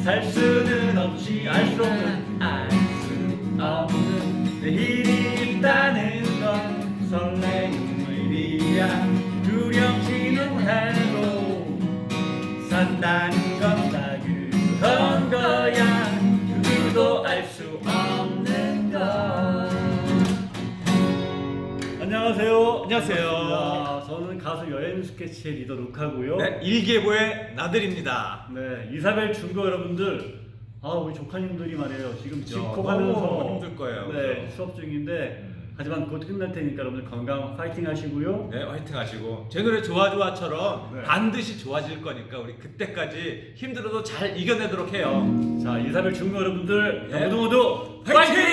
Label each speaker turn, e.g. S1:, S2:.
S1: 살 수는 없지 알 수 없는 내일이 있다는 건 설레는 일이야 두렵지는 해도 산다는 건 다 그런 거야 누구도 알 수 없는 것. 안녕하세요.
S2: 안녕하세요.
S1: 반갑습니다. 저는 가수 여행 스케치의 리더 룩하고요.
S2: 네, 일개보의 나들입니다.
S1: 네, 이사벨 중고 여러분들, 우리 조카님들이 말이에요. 지금
S2: 너무
S1: 집콕하면서
S2: 힘들 거예요.
S1: 네,
S2: 그죠?
S1: 수업 중인데 하지만 곧 끝날 테니까 여러분들 건강 파이팅 하시고요.
S2: 네, 화이팅 하시고 제 노래 좋아좋아처럼
S1: 네.
S2: 반드시 좋아질 거니까 우리 그때까지 힘들어도 잘 이겨내도록 해요.
S1: 자, 이사벨 중고 여러분들
S2: 네.
S1: 모두
S2: 화이팅!